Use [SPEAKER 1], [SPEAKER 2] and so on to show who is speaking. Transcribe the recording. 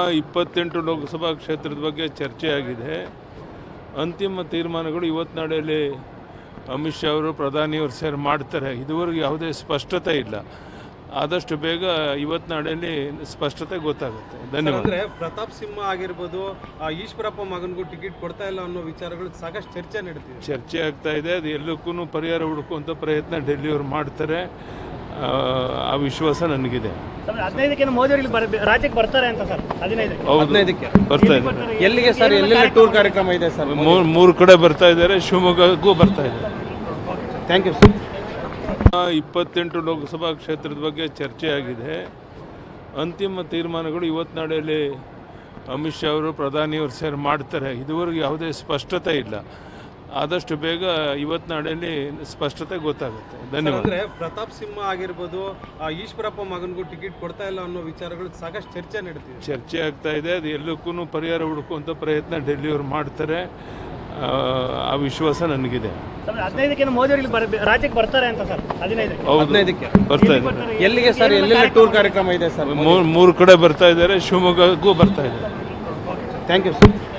[SPEAKER 1] 28 ಲೋಕಸಭಾ ಕ್ಷೇತ್ರದ ಬಗ್ಗೆ ಚರ್ಚೆ ಆಗಿದೆ. ಅಂತಿಮ ತೀರ್ಮಾನಗಳು ಇವತ್ತು ನಾಳೆಯಲ್ಲಿ ಅಮಿತ್ ಶಾ ಅವರು ಪ್ರಧಾನಿಯವರು ಸೇರಿ ಮಾಡ್ತಾರೆ. ಇದುವರೆಗೂ ಯಾವುದೇ ಸ್ಪಷ್ಟತೆ ಇಲ್ಲ. ಆದಷ್ಟು ಬೇಗ ಇವತ್ತು ನಾಳೆಯಲ್ಲಿ ಸ್ಪಷ್ಟತೆ ಗೊತ್ತಾಗುತ್ತೆ. ಧನ್ಯವಾದ.
[SPEAKER 2] ಅಂದ್ರೆ ಪ್ರತಾಪ್ ಸಿಂಹ ಆಗಿರ್ಬೋದು, ಈಶ್ವರಪ್ಪ ಮಗನಿಗೂ ಟಿಕೆಟ್ ಕೊಡ್ತಾ ಇಲ್ಲ ಅನ್ನೋ ವಿಚಾರಗಳು ಸಾಕಷ್ಟು ಚರ್ಚೆ ನಡೀತಿದೆ.
[SPEAKER 1] ಚರ್ಚೆ ಆಗ್ತಾ ಇದೆ. ಅದು ಎಲ್ಲಕ್ಕೂ ಪರಿಹಾರ ಹುಡುಕುವಂಥ ಪ್ರಯತ್ನ ಡೆಲ್ಲಿಯವರು ಮಾಡ್ತಾರೆ. ಆ ವಿಶ್ವಾಸ ನನಗಿದೆ.
[SPEAKER 3] 15ಕ್ಕೆ ಮೋದಿ ಅವರು ರಾಜ್ಯಕ್ಕೆ ಬರ್ತಾರೆ ಅಂತ ಸರ್.
[SPEAKER 2] 15ಕ್ಕೆ
[SPEAKER 1] ಬರ್ತಾ ಇದ್ದಾರೆ.
[SPEAKER 2] ಎಲ್ಲಿಗೆ ಸರ್? ಎಲ್ಲೆಲ್ಲ ಟೂರ್ ಕಾರ್ಯಕ್ರಮ ಇದೆ ಸರ್?
[SPEAKER 1] ಮೂರು ಕಡೆ ಬರ್ತಾ ಇದ್ದಾರೆ. ಶಿವಮೊಗ್ಗಕ್ಕೂ ಬರ್ತಾ ಇದ್ದಾರೆ.
[SPEAKER 2] Thank you sir.
[SPEAKER 1] 28 ಲೋಕಸಭಾ ಕ್ಷೇತ್ರದ ಬಗ್ಗೆ ಚರ್ಚೆ ಆಗಿದೆ. ಅಂತಿಮ ತೀರ್ಮಾನಗಳು ಇವತ್ತು ನಾಳೆಯಲ್ಲಿ ಅಮಿತ್ ಶಾ ಅವರು ಪ್ರಧಾನಿಯವರು ಸೇರಿ ಮಾಡ್ತಾರೆ. ಇದುವರೆಗೂ ಯಾವುದೇ ಸ್ಪಷ್ಟತೆ ಇಲ್ಲ. ಆದಷ್ಟು ಬೇಗ ಇವತ್ತು ನಾಳೆಯಲ್ಲಿ ಸ್ಪಷ್ಟತೆ ಗೊತ್ತಾಗುತ್ತೆ. ಧನ್ಯವಾದ.
[SPEAKER 2] ಅಂದ್ರೆ ಪ್ರತಾಪ್ ಸಿಂಹ ಆಗಿರ್ಬೋದು, ಈಶ್ವರಪ್ಪ ಮಗನಿಗೂ ಟಿಕೆಟ್ ಕೊಡ್ತಾ ಇಲ್ಲ ಅನ್ನೋ ವಿಚಾರಗಳು ಸಾಕಷ್ಟು ಚರ್ಚೆ ನಡೀತಿದೆ.
[SPEAKER 1] ಚರ್ಚೆ ಆಗ್ತಾ ಇದೆ. ಅದು ಎಲ್ಲಕ್ಕೂ ಪರಿಹಾರ ಹುಡುಕುವಂಥ ಪ್ರಯತ್ನ ಡೆಲ್ಲಿಯವರು ಮಾಡ್ತಾರೆ. ಆ ವಿಶ್ವಾಸ ನನಗಿದೆ.
[SPEAKER 3] 15ಕ್ಕೆ ಮೋದಿ ಅವರು ರಾಜ್ಯಕ್ಕೆ ಬರ್ತಾರೆ ಅಂತ ಸರ್.
[SPEAKER 2] 15ಕ್ಕೆ
[SPEAKER 1] ಬರ್ತಾ ಇದ್ದಾರೆ.
[SPEAKER 2] ಎಲ್ಲಿಗೆ ಸರ್? ಎಲ್ಲೆಲ್ಲ ಟೂರ್ ಕಾರ್ಯಕ್ರಮ ಇದೆ ಸರ್?
[SPEAKER 1] ಮೂರು ಕಡೆ ಬರ್ತಾ ಇದ್ದಾರೆ. ಶಿವಮೊಗ್ಗಕ್ಕೂ ಬರ್ತಾ ಇದ್ದಾರೆ.
[SPEAKER 2] Thank you sir.